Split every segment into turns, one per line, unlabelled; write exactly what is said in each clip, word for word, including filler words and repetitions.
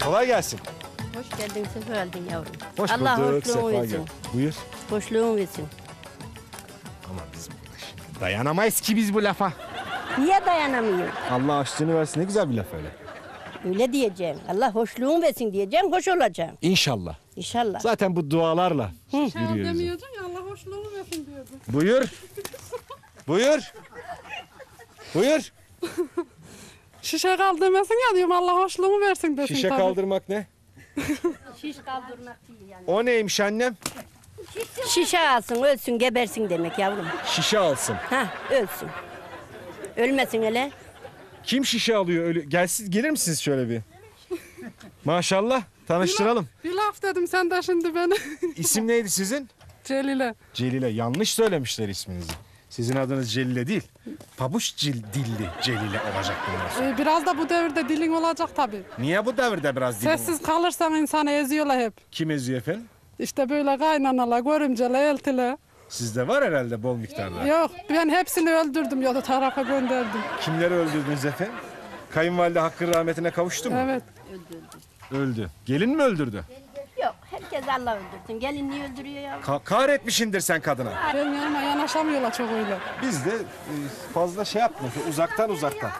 Kolay gelsin.
Hoş geldin, sefa geldin yavrum.
Hoş
Allah
bulduk, sefa
hoşluğunu
gel.
versin.
Buyur.
Hoşluğunu versin.
Ama biz şimdi dayanamayız ki biz bu lafa.
Niye dayanamıyorum?
Allah aşkını versin, ne güzel bir laf öyle.
Öyle diyeceğim. Allah hoşluğunu versin diyeceğim, hoş olacağım.
İnşallah.
İnşallah.
Zaten bu dualarla
Hı.
yürüyoruz.
Demiyordun ya Allah hoşluğunu versin diyordun.
Buyur. Buyur. Buyur.
Şişe kaldırmasın ya diyorum Allah hoşluğunu versin desin
Şişe
tabii.
kaldırmak ne?
Şiş kaldırmak değil yani.
O neymiş annem?
Şişe alsın, ölsün, gebersin demek yavrum.
Şişe alsın.
Ha, ölsün. Ölmesin hele.
Kim şişe alıyor öyle? Gelsin, gelir misiniz şöyle bir? Maşallah. Tanıştıralım.
Bir laf dedim sen de şimdi beni.
İsim neydi sizin?
Celile.
Celile. Yanlış söylemişler isminizi. Sizin adınız Celile değil. Pabuç cil, dilli Celile olacak bundan sonra.
Ee, biraz da bu devirde dilin olacak tabii.
Niye bu devirde biraz dilin?
Sessiz kalırsan insanı eziyorlar hep.
Kim eziyor efendim?
İşte böyle kaynanalar, görümceler, eltiler.
Sizde var herhalde bol miktarda.
Yok ben hepsini öldürdüm ya da tarafa gönderdim.
Kimleri öldürdünüz efendim? Kayınvalide hakkın rahmetine kavuştu mu?
Evet.
Öldü. Gelin mi öldürdü?
Yok, herkes Allah öldürsün. Gelin niye öldürüyor yavrum?
Ka- kahretmişindir sen kadına.
Benim yanıma yanaşamıyorlar çok öyle.
Biz de e, fazla şey yapmıyoruz. Uzaktan uzaktan.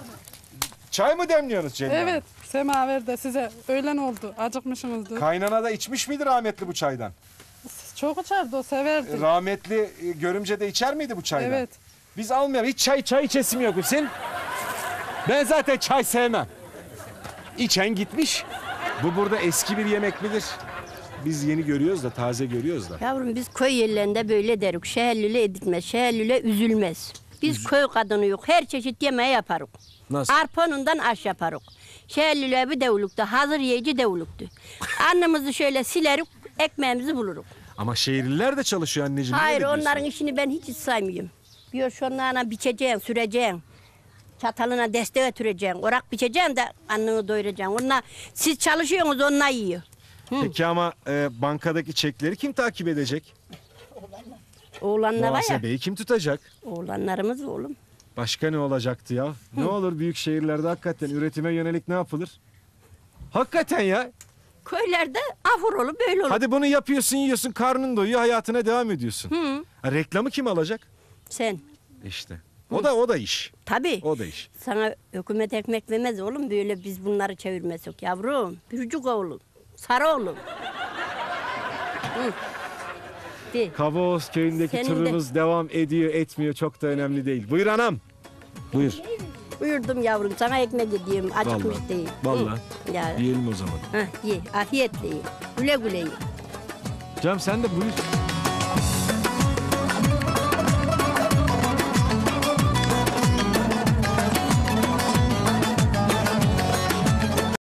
Çay mı demliyorsunuz Celil Hanım?
Evet. Semaver de size öğlen oldu. Acıkmışsınızdır.
Kaynana da içmiş miydi rahmetli bu çaydan?
Çok içerdi o severdi.
Rahmetli e, görümce de içer miydi bu çaydan?
Evet.
Biz almayalım. Hiç çay çay içesim yok Hüseyin. Ben zaten çay sevmem. İçen gitmiş. Bu burada eski bir yemek midir? Biz yeni görüyoruz da, taze görüyoruz da.
Yavrum biz köy yerlerinde böyle derik. Şehirlüle edilmez, şehirlüle üzülmez. Biz köy kadını yok. Her çeşit yemeği yaparız.
Nasıl?
Arpanından aş yaparız. Şehirlüle bir devluktu, hazır yiyici devluktu. Annemizi şöyle silerik, ekmeğimizi buluruk.
Ama şehirliler de çalışıyor anneciğim.
Hayır,
niye öyle
onların
diyorsun?
işini ben hiç saymıyorum. Diyor şunlarına biçeceksin, süreceksin. Çatalına destek götüreceksin. Orak biçeceksin de anneni doyuracaksın. Onlar, siz çalışıyorsunuz, onlar yiyor.
Peki ama e, bankadaki çekleri kim takip edecek?
Oğlanlar var ya.
Muhasebeyi kim tutacak?
Oğlanlarımız oğlum.
Başka ne olacaktı ya? Ne olur büyük şehirlerde hakikaten üretime yönelik ne yapılır? Hakikaten ya.
Köylerde ahur olur, böyle olur.
Hadi bunu yapıyorsun, yiyorsun, karnın doyuyor, hayatına devam ediyorsun.
Hı.
Ha, reklamı kim alacak?
Sen.
İşte. O da o da iş.
Tabii.
O da iş.
Sana hükümet ekmek vermez oğlum. Böyle biz bunları çevirmesek yavrum. Bürcük oğlum. Sarı oğlum. Hı. De.
Kavaoz köyündeki
Senin de-
turumuz devam ediyor, etmiyor. Çok da önemli değil. Buyur anam. Buyur.
Buyurdum yavrum. Sana ekmek ediyorum. Acıkmış
Vallahi,
değil.
vallahi.
Hı. Ya.
Yiyelim o zaman.
Heh, ye. Afiyetle ye. Güle güle ye.
Cem sen de buyur.